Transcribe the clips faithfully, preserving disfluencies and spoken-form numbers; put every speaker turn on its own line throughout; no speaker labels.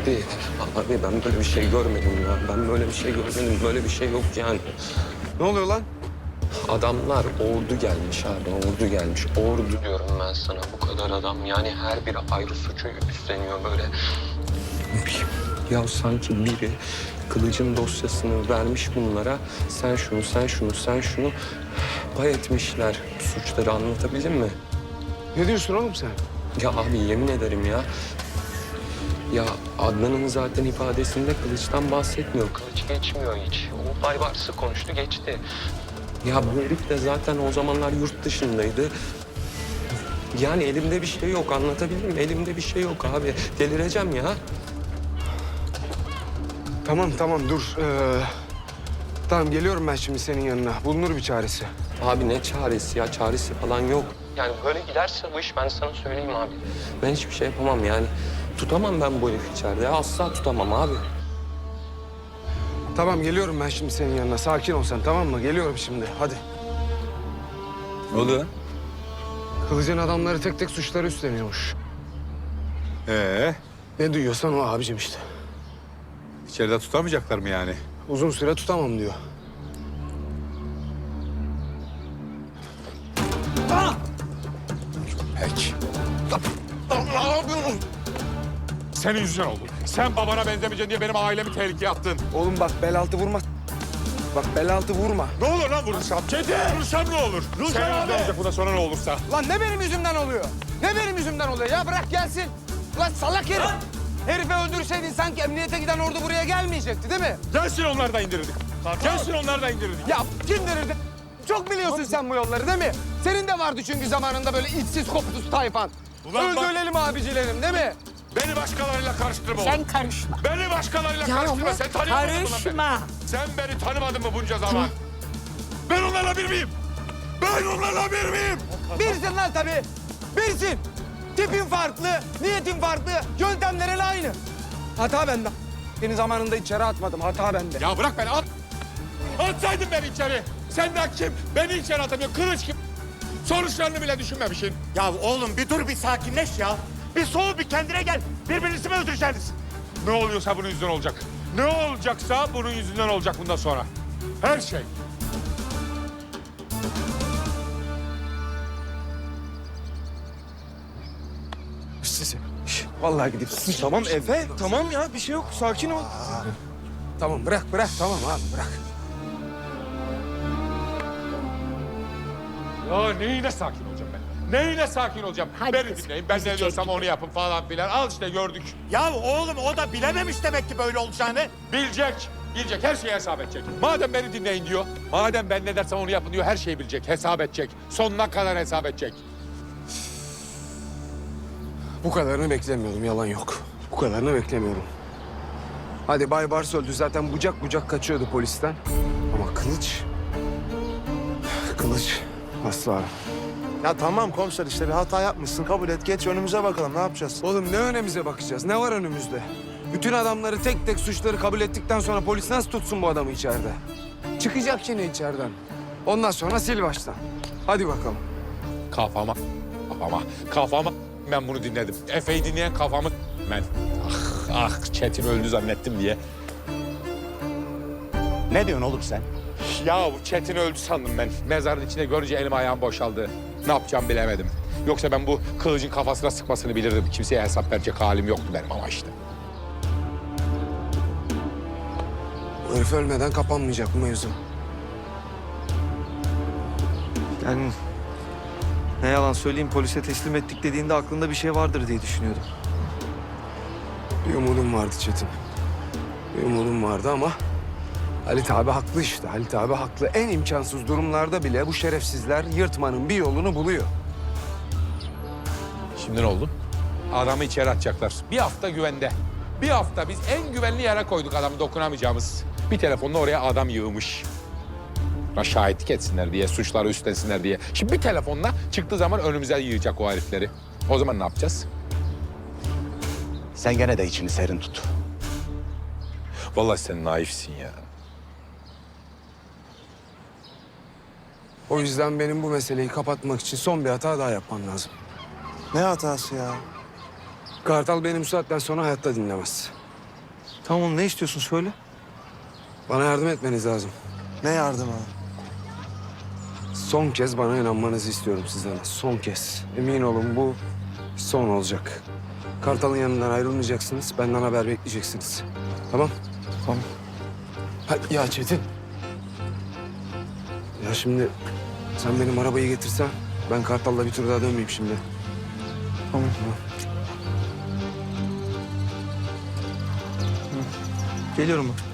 Abi, abi ben böyle bir şey görmedim ya. Ben böyle bir şey görmedim. Böyle bir şey yok yani.
Ne oluyor lan?
Adamlar ordu gelmiş abi, ordu gelmiş. Ordu diyorum ben sana. Bu kadar adam yani her biri ayrı suçu üstleniyor böyle. Ya sanki biri Kılıç'ın dosyasını vermiş bunlara. Sen şunu, sen şunu, sen şunu pay etmişler suçları, anlatabildim mi?
Ne diyorsun oğlum sen?
Ya abi yemin ederim ya. Ya Adnan'ın zaten ifadesinde Kılıç'tan bahsetmiyor. Kılıç geçmiyor hiç. O Baybars'ı konuştu geçti. Ya bu herif de zaten o zamanlar yurt dışındaydı. Yani elimde bir şey yok, anlatabildim mi? Elimde bir şey yok abi. Delireceğim ya.
Tamam tamam dur. Ee, tamam geliyorum ben şimdi senin yanına. Bulunur bir çaresi.
Abi ne çaresi ya? Çaresi falan yok. Yani böyle giderse bu iş ben sana söyleyeyim abi. Ben hiçbir şey yapamam yani. Tutamam ben bu herifi içeride. Ya asla tutamam abi.
Tamam geliyorum ben şimdi senin yanına. Sakin ol sen, tamam mı? Geliyorum şimdi. Hadi.
Ne oluyor?
Kılıç'ın adamları tek tek suçları üstleniyormuş.
Ee,
Ne duyuyorsan o abicim işte.
içeride tutamayacaklar mı yani?
Uzun süre tutamam diyor.
Peki.
Senin yüzünden oldu. Sen babana benzemeyeceksin diye benim ailemi tehlikeye attın.
Oğlum bak bel altı vurma. Bak bel altı vurma.
Ne olur lan vurursam? Çetin! Vurursam ne olur? Senin yüzünden olacak bundan sonra ne olursa.
Lan ne benim yüzümden oluyor? Ne benim yüzümden oluyor? Ya bırak gelsin. Lan salak herif. Herifi öldürseydin sanki emniyete giden ordu buraya gelmeyecekti değil mi?
Gelsin onlar da indirirdik. Gelsin onlar da indirirdik.
Ya kim verirdi? Çok biliyorsun sen bu yolları değil mi? Senin de vardı çünkü zamanında böyle içsiz koptus tayfan.
Ulan bak-
Öldürelim abicilerim değil mi?
Beni başkalarıyla karıştırma oğlum.
Sen karışma.
Beni başkalarıyla
Ya
karıştırma.
ama
Sen tanımadın mı lan beni?
karışma.
Sen beni tanımadın mı bunca zaman? Ben onlarla bir miyim? Ben onlarla bir miyim?
Birsin lan tabii. Birsin. Tipin farklı, niyetin farklı, yöntemlerin aynı. Hata bende. Seni zamanında içeri atmadım, hata bende.
Ya bırak beni at. Atsaydın beni içeri. Senden kim? Beni içeri atamıyor. Kılıç kim? Sonuçlarını bile düşünmemişsin.
Ya oğlum bir dur bir sakinleş ya. Bir soğuk bir kendine gel. Birbirinizi mi öldüreceksiniz?
Ne oluyorsa bunun yüzünden olacak. Ne olacaksa bunun yüzünden olacak bundan sonra. Her şey.
Sizi. Şş, vallahi gidip sus. Tamam Efe, tamam ya bir şey yok. Sakin ol. Tamam bırak bırak tamam abi bırak.
Ya neyine sakin olacağım ben? Neyine sakin olacağım?
Hadi
Beni
kızım,
dinleyin. Ben
bizi
ne diyorsam
çek.
onu yapın falan filan. Al işte gördük.
Ya oğlum o da bilememiş demek ki böyle olacağını.
Bilecek. Bilecek. Her şeyi hesap edecek. Madem beni dinleyin diyor. Madem ben ne dersem onu yapın diyor. Her şeyi bilecek. Hesap edecek. Sonuna kadar hesap edecek.
Bu kadarını beklemiyordum, yalan yok. Bu kadarını beklemiyordum. Hadi Bay Bars öldü zaten bucak bucak kaçıyordu polisten. Ama Kılıç... Kılıç asla.
Ya tamam komiser işte bir hata yapmışsın. Kabul et geç önümüze bakalım ne yapacağız?
Oğlum ne önemize bakacağız? Ne var önümüzde? Bütün adamları tek tek suçları kabul ettikten sonra polis nasıl tutsun bu adamı içeride? Çıkacak yine içeriden. Ondan sonra sil baştan. Hadi bakalım.
Kafama. Kafama. Kafama. Ben bunu dinledim. Efe'yi dinleyen kafamı ben. Ah ah Çetin öldü zannettim diye.
Ne diyorsun oğlum sen?
Ya Çetin öldü sandım ben. Mezarın içinde görünce elim ayağım boşaldı. Ne yapacağımı bilemedim. Yoksa ben bu kılıcın kafasına sıkmasını bilirdim. Kimseye hesap verecek halim yoktu benim ama işte.
Bu herif ölmeden kapanmayacak bu mevzu.
Yani ne yalan söyleyeyim polise teslim ettik dediğinde aklında bir şey vardır diye düşünüyordum.
Bir umudum vardı Çetin. Bir umudum vardı ama... Halit abi haklı işte. Halit abi haklı. En imkansız durumlarda bile bu şerefsizler yırtmanın bir yolunu buluyor.
Şimdi ne oldu? Adamı içeri atacaklar. Bir hafta güvende. Bir hafta biz en güvenli yere koyduk adamı dokunamayacağımız. Bir telefonla oraya adam yığmış. Buna şahitlik etsinler diye, suçları üstlensinler diye. Şimdi bir telefonla çıktığı zaman önümüze yığacak o herifleri. O zaman ne yapacağız?
Sen gene de içini serin tut.
Vallahi sen naifsin ya.
O yüzden benim bu meseleyi kapatmak için son bir hata daha yapmam lazım.
Ne hatası ya?
Kartal beni bu saatten sonra hayatta dinlemez.
Tamam ne istiyorsun söyle.
Bana yardım etmeniz lazım.
Ne yardımı?
Son kez bana inanmanızı istiyorum sizden. Son kez. Emin olun bu son olacak. Kartal'ın yanından ayrılmayacaksınız. Benden haber bekleyeceksiniz. Tamam?
Tamam.
Ha, ya Çetin. Ya şimdi sen benim arabayı getirsen ben Kartal'la bir tur daha dönmeyeyim şimdi.
Tamam. Geliyorum ben.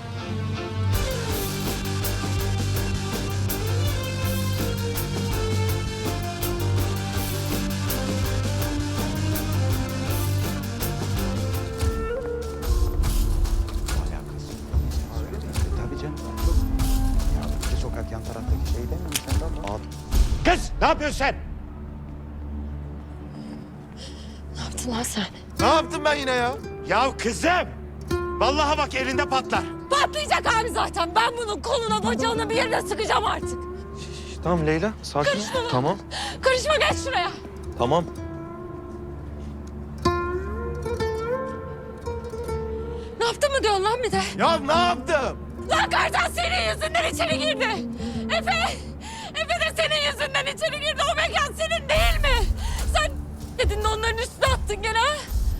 Tabii canım. Ya iki sokak yan taraftaki şey değil mi sen de? Abi.
Kız ne yapıyorsun sen?
Ne yaptın lan sen?
Ne yaptım ben yine ya?
Ya kızım. Vallahi bak elinde patlar.
Patlayacak abi zaten. Ben bunun koluna bacağına bir yerine sıkacağım artık.
Tamam Leyla sakin ol. Tamam.
Karışma geç şuraya.
Tamam.
Ne yaptın mı diyorsun lan bir de?
Ya ne yaptım?
Lan Kartal senin yüzünden içeri girdi. Efe, Efe de senin yüzünden içeri girdi. O mekan senin değil mi? Sen dedin de onların üstüne attın gene ha?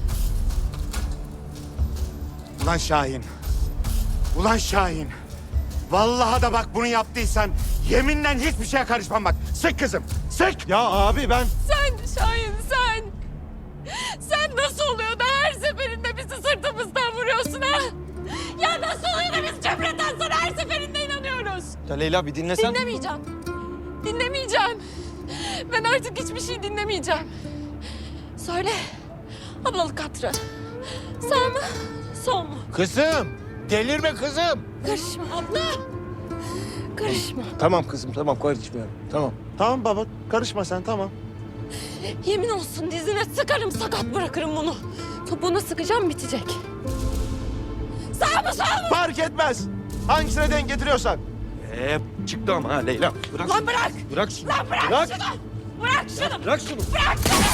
Ulan Şahin. Ulan Şahin. Vallahi da bak bunu yaptıysan yeminle hiçbir şeye karışmam bak. Sık kızım. Sık.
Ya abi ben...
Sen Şahin sen. Sen nasıl oluyor da her seferinde bizi sırtımızdan vuruyorsun ha? Ya nasıl oluyor da biz Cemre'den sonra her seferinde inanıyoruz?
Ya Leyla bir dinlesen.
Dinlemeyeceğim. Dinlemeyeceğim. Ben artık hiçbir şey dinlemeyeceğim. Söyle. Ablalık hatırı. Sağ mı? Sol mu?
Kızım. Delirme kızım.
Karışma abla. Karışma.
Tamam kızım tamam karışmıyorum. Tamam. Tamam baba karışma sen tamam.
Yemin olsun dizine sıkarım sakat bırakırım bunu. Topuğuna sıkacağım bitecek. Sağ mı sol mu?
Fark etmez. Hangisine denk getiriyorsan.
Ee, çıktı ama ha Leyla. Bırak.
Lan bırak.
Bırak şunu.
Lan bırak,
Bırak.
şunu. Bırak şunu.
Bırak şunu.
Bırak şunu.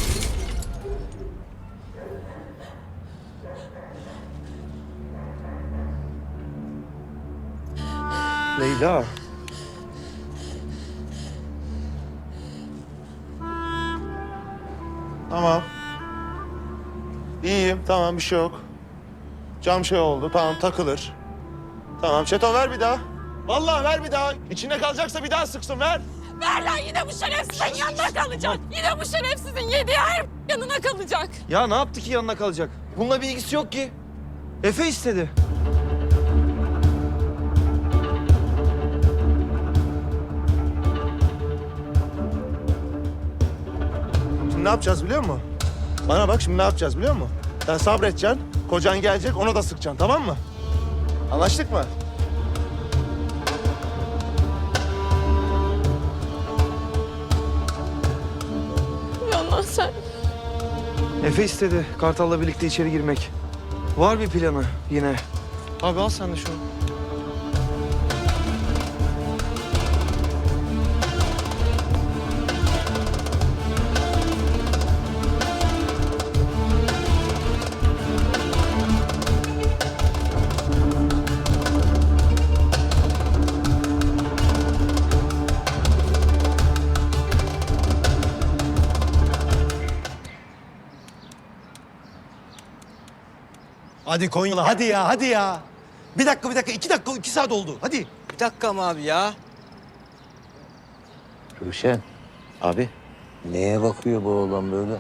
Leyla.
Tamam. İyiyim tamam bir şey yok. Cam şey oldu tamam takılır. Tamam Çeto ver bir daha. Vallahi ver bir daha. İçinde kalacaksa bir daha sıksın ver.
Ver lan yine bu şerefsizin yanına kalacak. Yine bu şerefsizin yediği her yanına kalacak.
Ya ne yaptı ki yanına kalacak? Bununla bir ilgisi yok ki. Efe istedi.
Şimdi ne yapacağız biliyor musun? Bana bak şimdi ne yapacağız biliyor musun? Sen sabredeceksin. Kocan gelecek ona da sıkacaksın tamam mı? Anlaştık mı?
Yalan sen.
Efe istedi Kartal'la birlikte içeri girmek. Var bir planı yine. Abi al sen de şunu.
Hadi Konyalı hadi ya hadi ya. Bir dakika bir dakika iki dakika iki saat oldu hadi.
Bir dakika mı abi ya?
Ruşen, abi neye bakıyor bu oğlan böyle?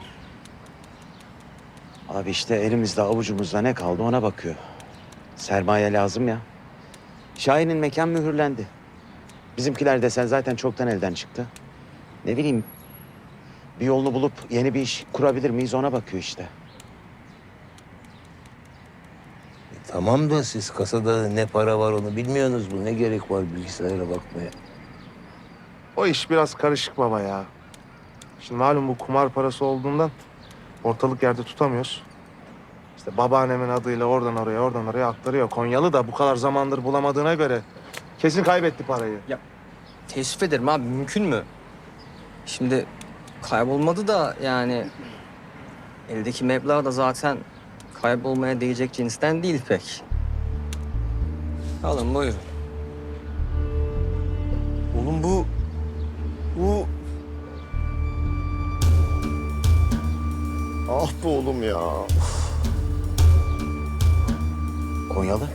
Abi işte elimizde avucumuzda ne kaldı ona bakıyor. Sermaye lazım ya. Şahin'in mekan mühürlendi. Bizimkiler desen zaten çoktan elden çıktı. Ne bileyim bir yolunu bulup yeni bir iş kurabilir miyiz ona bakıyor işte.
Tamam da siz kasada ne para var onu bilmiyorsunuz mu? Ne gerek var bilgisayara bakmaya?
O iş biraz karışık baba ya. Şimdi malum bu kumar parası olduğundan ortalık yerde tutamıyoruz. İşte babaannemin adıyla oradan oraya oradan oraya aktarıyor. Konyalı da bu kadar zamandır bulamadığına göre kesin kaybetti parayı.
Teessüf ederim abi mümkün mü? Şimdi kaybolmadı da yani eldeki meblağ da zaten kaybolmaya değecek cinsten değil pek. Alın buyurun.
Oğlum bu... Bu... Ah be oğlum ya.
Konyalı.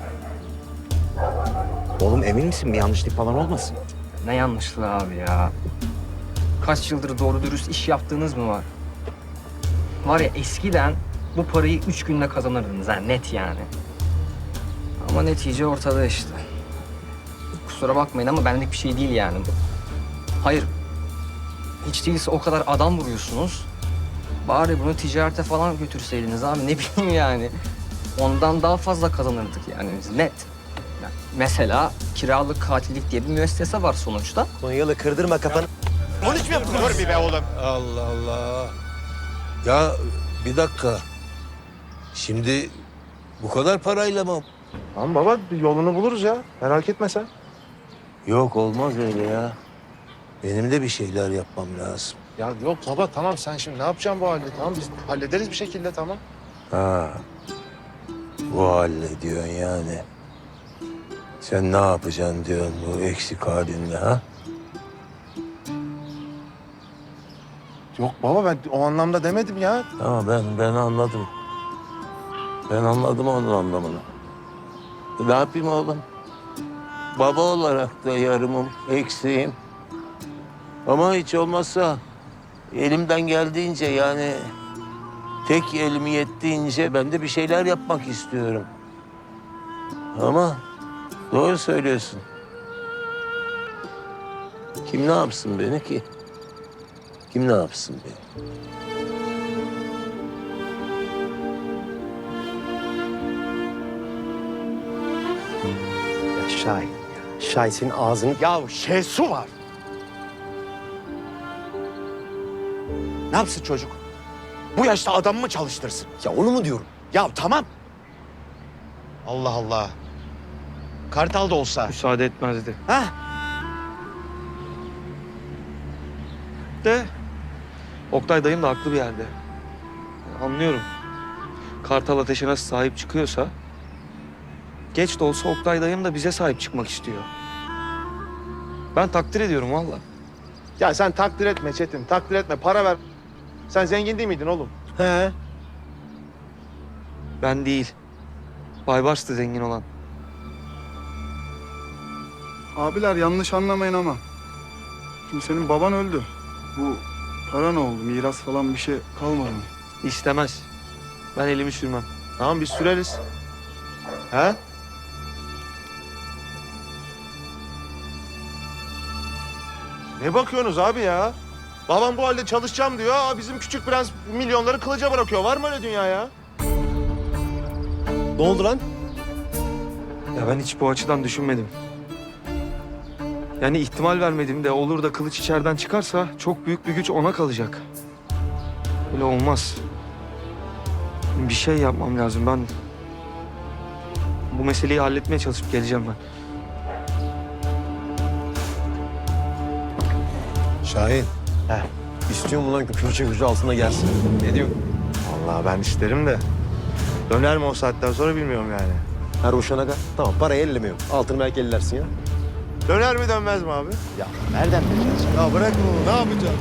Oğlum emin misin? Bir yanlışlık falan olmasın?
Ne yanlışlığı abi ya. Kaç yıldır doğru dürüst iş yaptığınız mı var? Var ya eskiden bu parayı üç günde kazanırdınız ha, net yani. Ama netice ortada işte. Kusura bakmayın ama benlik bir şey değil yani bu. Hayır. Hiç değilse o kadar adam vuruyorsunuz. Bari bunu ticarete falan götürseydiniz abi, ne bileyim yani. Ondan daha fazla kazanırdık yani biz, net. Yani mesela kiralık katillik diye bir müessese var sonuçta.
Konyalı kırdırma kafanı.
Konuşmuyor musun? Dur bir be oğlum.
Allah Allah. Ya bir dakika. Şimdi bu kadar parayla mı?
Tamam baba bir yolunu buluruz ya. Merak etme sen.
Yok olmaz öyle ya. Benim de bir şeyler yapmam lazım.
Ya yok baba tamam sen şimdi ne yapacaksın bu halde? Tamam biz hallederiz bir şekilde tamam.
Ha. Bu halle diyorsun yani. Sen ne yapacaksın diyorsun bu eksik halinle ha?
Yok baba ben o anlamda demedim ya.
Tamam ben ben anladım. Ben anladım onun anlamını. Ne yapayım oğlum? Baba olarak da yarımım, eksiğim. Ama hiç olmazsa elimden geldiğince yani tek elim yettiğince ben de bir şeyler yapmak istiyorum. Ama doğru söylüyorsun. Kim ne yapsın beni ki? Kim ne yapsın beni?
Ya Şahin ya. Şahin senin ağzını... Ya Şesu var.
Ne yapsın çocuk? Bu yaşta adam mı çalıştırsın?
Ya onu mu diyorum?
Ya tamam. Allah Allah. Kartal da olsa.
Müsaade etmezdi.
Ha?
De Oktay dayım da haklı bir yerde. Anlıyorum. Kartal Ateş'e nasıl sahip çıkıyorsa... ...geç de olsa Oktay dayım da bize sahip çıkmak istiyor. Ben takdir ediyorum vallahi.
Ya sen takdir etme Çetin, takdir etme. Para ver. Sen zengin değil miydin oğlum?
He?
Ben değil. Baybars'tı zengin olan.
Abiler yanlış anlamayın ama. Şimdi senin baban öldü. Bu para ne oldu? Miras falan bir şey kalmadı mı?
İstemez. Ben elimi sürmem.
Tamam biz süreriz. He? Ne bakıyorsunuz abi ya? Babam bu halde çalışacağım diyor. Aa, bizim küçük prens milyonları kılıca bırakıyor. Var mı öyle dünya ya?
Ne oldu lan?
Ya ben hiç bu açıdan düşünmedim. Yani ihtimal vermedim de olur da kılıç içeriden çıkarsa çok büyük bir güç ona kalacak. Öyle olmaz. Bir şey yapmam lazım. Ben bu meseleyi halletmeye çalışıp geleceğim ben.
Şahin. He. İstiyorum ulan ki külçe gücü altına gelsin.
Ne diyorsun?
Vallahi ben isterim de. Döner mi o saatten sonra bilmiyorum yani.
Her uşana kadar. Tamam parayı ellemiyorum. Altını belki ellersin ya.
Döner mi dönmez mi abi?
Ya nereden bileceğiz?
Ya bırak bunu ne yapacaksın?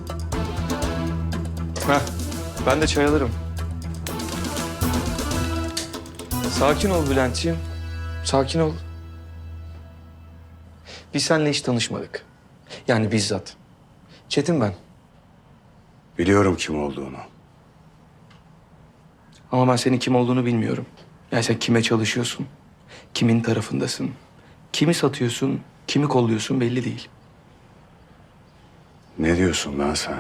Heh, ben de çay alırım. Sakin ol Bülent'ciğim. Sakin ol. Biz seninle hiç tanışmadık. Yani bizzat. Çetin ben.
Biliyorum kim olduğunu.
Ama ben senin kim olduğunu bilmiyorum. Yani sen kime çalışıyorsun? Kimin tarafındasın? Kimi satıyorsun? Kimi kolluyorsun belli değil.
Ne diyorsun lan sen?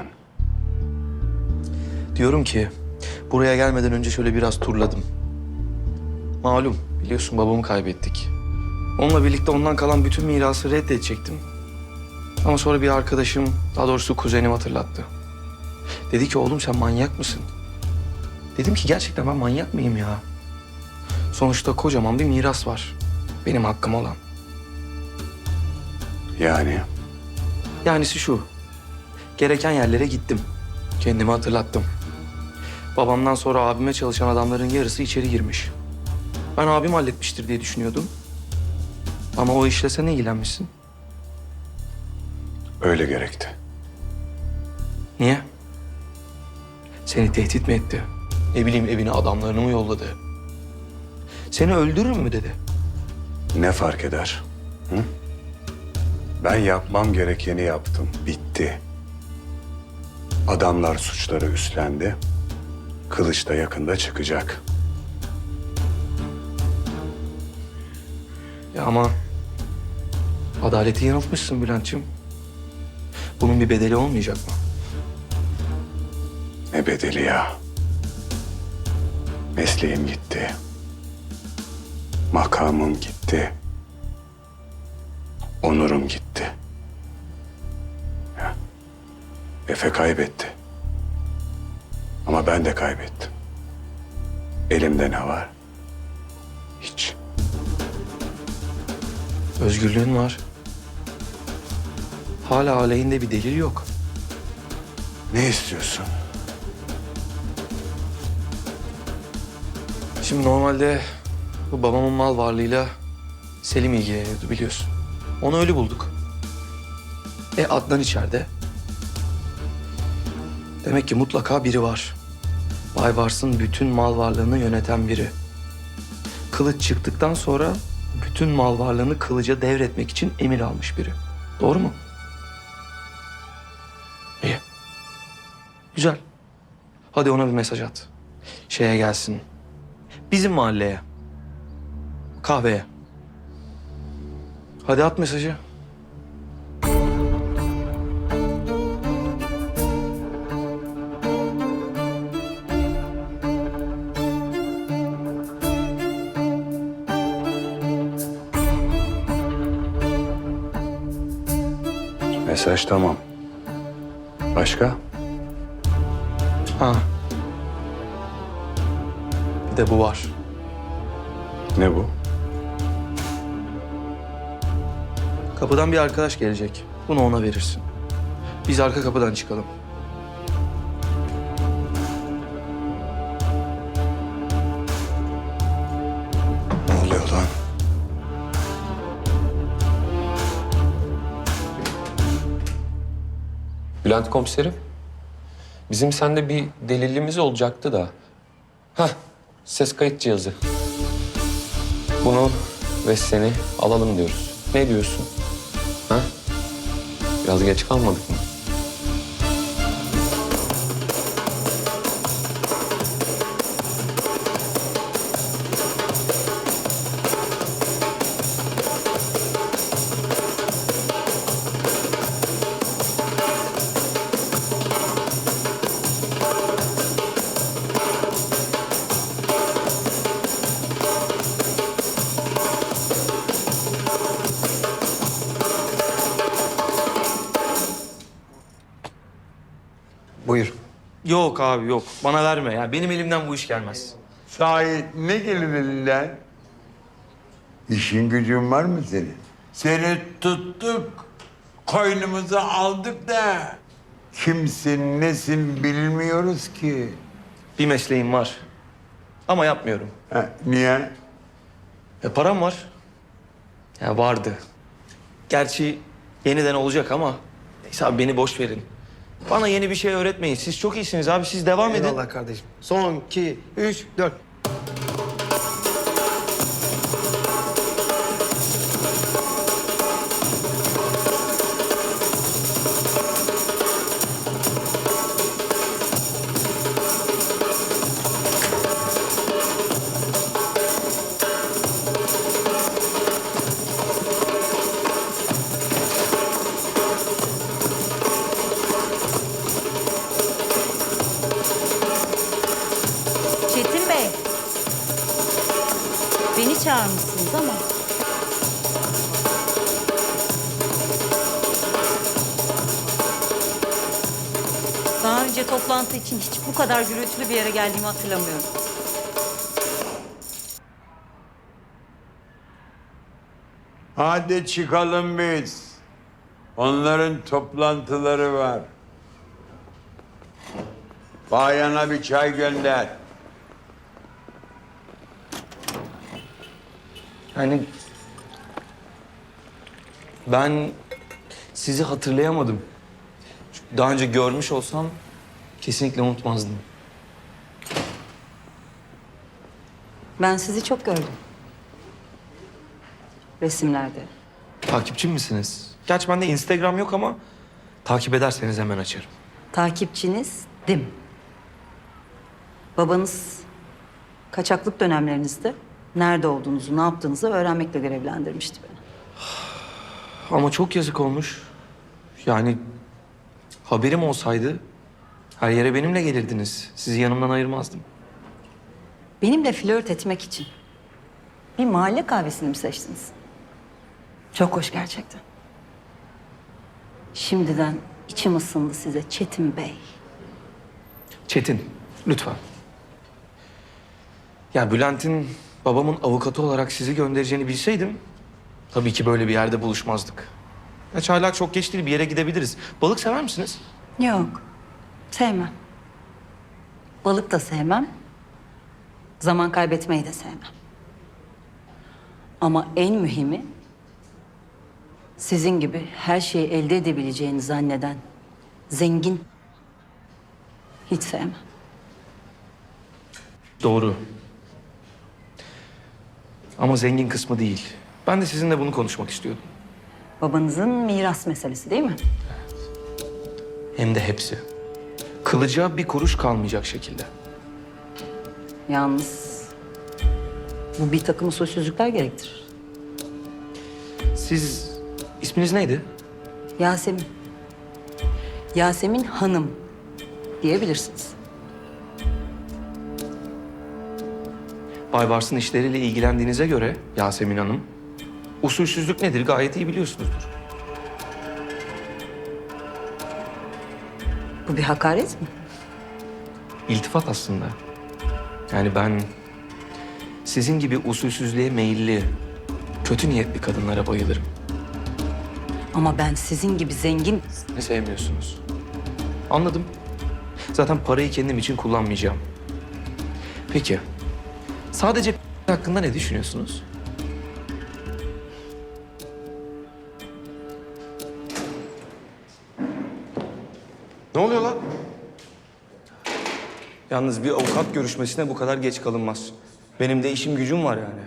Diyorum ki buraya gelmeden önce şöyle biraz turladım. Malum biliyorsun babamı kaybettik. Onunla birlikte ondan kalan bütün mirası reddedecektim. Ama sonra bir arkadaşım, daha doğrusu kuzenim hatırlattı. Dedi ki oğlum sen manyak mısın? Dedim ki gerçekten ben manyak mıyım ya? Sonuçta kocaman bir miras var. Benim hakkım olan.
Yani?
Yanisi şu. Gereken yerlere gittim. Kendimi hatırlattım. Babamdan sonra abime çalışan adamların yarısı içeri girmiş. Ben abim halletmiştir diye düşünüyordum. Ama o işle sen ilgilenmişsin.
Öyle gerekti.
Niye? Seni tehdit mi etti? Ne bileyim evine adamlarını mı yolladı? Seni öldürür mü dedi?
Ne fark eder? Hı? Ben yapmam gerekeni yaptım. Bitti. Adamlar suçları üstlendi. Kılıç da yakında çıkacak.
Ya ama adaleti yanıltmışsın Bülent'ciğim. Bunun bir bedeli olmayacak mı?
Ne bedeli ya? Mesleğim gitti. Makamım gitti. Onurum gitti. Ya, Efe kaybetti. Ama ben de kaybettim. Elimde ne var? Hiç.
Özgürlüğün var. Hala aleyhinde bir delil yok.
Ne istiyorsun?
Şimdi normalde bu babamın mal varlığıyla Selim ilgileniyordu biliyorsun. Onu öyle bulduk. E Adnan içeride. Demek ki mutlaka biri var. Baybars'ın bütün mal varlığını yöneten biri. Kılıç çıktıktan sonra bütün mal varlığını Kılıç'a devretmek için emir almış biri. Doğru mu? İyi. Güzel. Hadi ona bir mesaj at. Şeye gelsin. Bizim mahalleye. Kahveye. Hadi at mesajı.
Mesaj tamam. Başka?
Ha. Bir de bu var.
Ne bu?
Kapıdan bir arkadaş gelecek. Bunu ona verirsin. Biz arka kapıdan çıkalım.
Ne oluyor lan?
Bülent komiserim, bizim sende bir delilimiz olacaktı da. Hah, ses kayıt cihazı. Bunu ve seni alalım diyoruz. Ne diyorsun? Ha? Biraz geç kalmadık mı?
Buyur.
Yok abi yok. Bana verme ya. Benim elimden bu iş gelmez.
Sahi ne gelir elinden? İşin gücün var mı senin? Seni tuttuk, koynumuza aldık da kimsin nesin bilmiyoruz ki.
Bir mesleğim var. Ama yapmıyorum.
Ha, niye?
E param var. Ya vardı. Gerçi yeniden olacak ama neyse abi beni boş verin. Bana yeni bir şey öğretmeyin. Siz çok iyisiniz abi. Siz devam edin.
Eyvallah kardeşim. Son, iki, üç, dört.
Çetin Bey. Beni çağırmışsınız ama. Daha önce toplantı için hiç bu kadar gürültülü bir yere geldiğimi hatırlamıyorum.
Hadi çıkalım biz. Onların toplantıları var. Bayana bir çay gönder.
Yani ben sizi hatırlayamadım. Çünkü daha önce görmüş olsam kesinlikle unutmazdım.
Ben sizi çok gördüm. Resimlerde.
Takipçi misiniz? Gerçi bende Instagram yok ama takip ederseniz hemen açarım.
Takipçinizdim. Babanız kaçaklık dönemlerinizde nerede olduğunuzu, ne yaptığınızı öğrenmekle görevlendirmişti beni.
Ama çok yazık olmuş. Yani haberim olsaydı her yere benimle gelirdiniz. Sizi yanımdan ayırmazdım.
Benimle flört etmek için bir mahalle kahvesini mi seçtiniz? Çok hoş gerçekten. Şimdiden içim ısındı size Çetin Bey.
Çetin, lütfen. Ya Bülent'in babamın avukatı olarak sizi göndereceğini bilseydim tabii ki böyle bir yerde buluşmazdık. Ya hala çok geç değil, bir yere gidebiliriz. Balık sever misiniz?
Yok, sevmem. Balık da sevmem. Zaman kaybetmeyi de sevmem. Ama en mühimi sizin gibi her şeyi elde edebileceğini zanneden zengin hiç sevmem.
Doğru. Ama zengin kısmı değil. Ben de sizinle bunu konuşmak istiyordum.
Babanızın miras meselesi değil mi?
Hem de hepsi. Kılıca bir kuruş kalmayacak şekilde.
Yalnız bu bir takım usulsüzlükler gerektirir.
Siz isminiz neydi?
Yasemin. Yasemin Hanım diyebilirsiniz.
Baybars'ın işleriyle ilgilendiğinize göre Yasemin Hanım, usulsüzlük nedir gayet iyi biliyorsunuzdur.
Bu bir hakaret mi?
İltifat aslında. Yani ben sizin gibi usulsüzlüğe meyilli, kötü niyetli kadınlara bayılırım.
Ama ben sizin gibi zengin...
Ne sevmiyorsunuz? Anladım. Zaten parayı kendim için kullanmayacağım. Peki, sadece hakkında ne düşünüyorsunuz?
Ne oluyor lan?
Yalnız bir avukat görüşmesine bu kadar geç kalınmaz. Benim de işim gücüm var yani.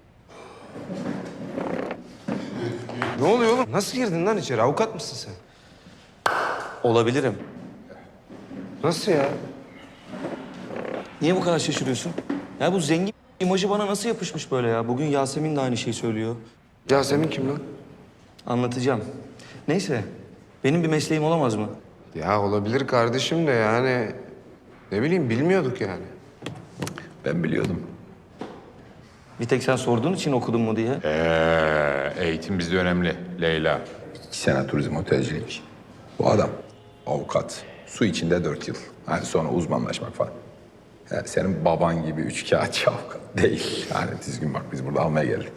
Ne oluyor oğlum? Nasıl girdin lan içeri? Avukat mısın sen?
Olabilirim.
Nasıl ya?
Niye bu kadar şaşırıyorsun? Ya bu zengin imajı bana nasıl yapışmış böyle ya? Bugün Yasemin de aynı şeyi söylüyor.
Yasemin kim lan?
Anlatacağım. Neyse, benim bir mesleğim olamaz mı?
Ya olabilir kardeşim de yani... Ne bileyim bilmiyorduk yani.
Ben biliyordum.
Bir tek sen sorduğun için okudun mu diye.
Ee, eğitim bizde önemli Leyla. İki sene turizm otelcilik. Bu adam avukat. Su içinde dört yıl. Hani sonra uzmanlaşmak falan. Yani senin baban gibi üç kağıtçı avukat değil. Yani düzgün bak biz burada almaya geldik.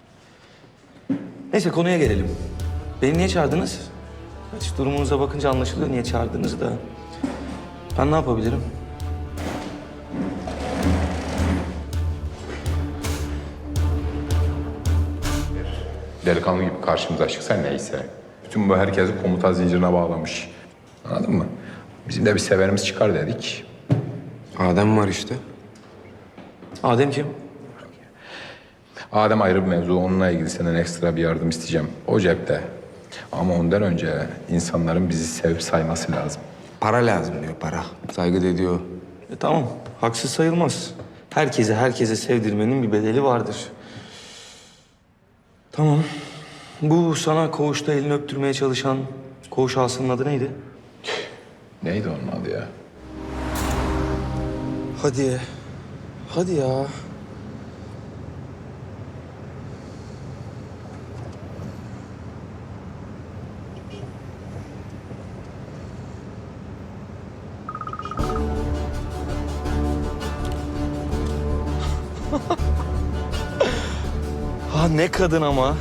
Neyse konuya gelelim. Beni niye çağırdınız? Hiç durumunuza bakınca anlaşılıyor niye çağırdığınızı da. Ben ne yapabilirim?
Delikanlı gibi karşımıza çıksa neyse. Bütün bu herkesi komuta zincirine bağlamış. Anladın mı? Bizim de bir severimiz çıkar dedik.
Adem var işte.
Adem kim?
Adem ayrı bir mevzu. Onunla ilgili senden ekstra bir yardım isteyeceğim. O cepte. Ama ondan önce insanların bizi sevip sayması lazım.
Para lazım diyor, para. Saygı da ediyor.
E, tamam, haksız sayılmaz. Herkese herkese sevdirmenin bir bedeli vardır. Tamam. Bu sana koğuşta elini öptürmeye çalışan koğuş ağasının adı neydi?
Neydi onun adı ya?
Hadi. Hadi ya. Ha ne kadın ama.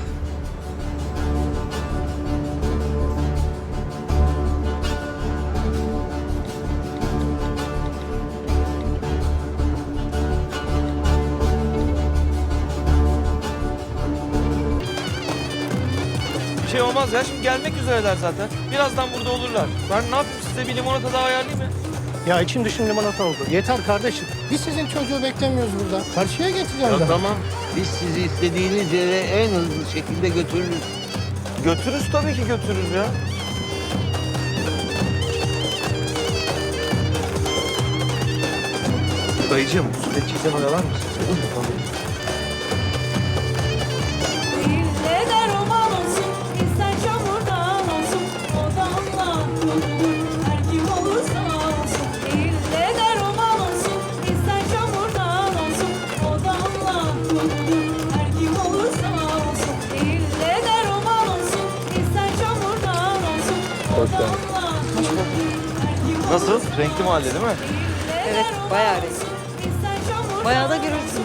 olmaz ya. Şimdi gelmek üzereler zaten. Birazdan burada olurlar. Ben ne yapayım size bir limonata daha ayarlayayım mı?
Ya içim dışım limonata oldu. Yeter kardeşim. Biz sizin çocuğu beklemiyoruz burada. Karşıya getireceğim
Ya
ben.
tamam. Biz sizi istediğiniz yere en hızlı şekilde götürürüz.
Götürürüz tabii ki götürürüz ya. Dayıcığım, süreççiysen oyalar mısın?
Ne der roman olsun, ister çamurdan olsun, o damla kurulur, her kim olursa olsun. Ne der roman olsun, ister çamurdan olsun, o damla kurulur, her kim olursa olsun. Ne der roman olsun, ister çamurdan olsun, o damla kurulur, her kim olursa
Nasıl? Renkli mahalle değil mi?
Evet, bayağı resim. Bayağı da gürültü.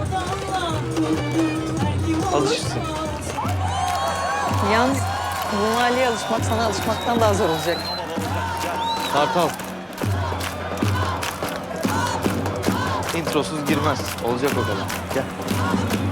Alışırsın.
Yalnız bu mahalleye alışmak sana alışmaktan daha zor olacak.
Kartal. Introsuz girmez. Olacak o kadar. Gel.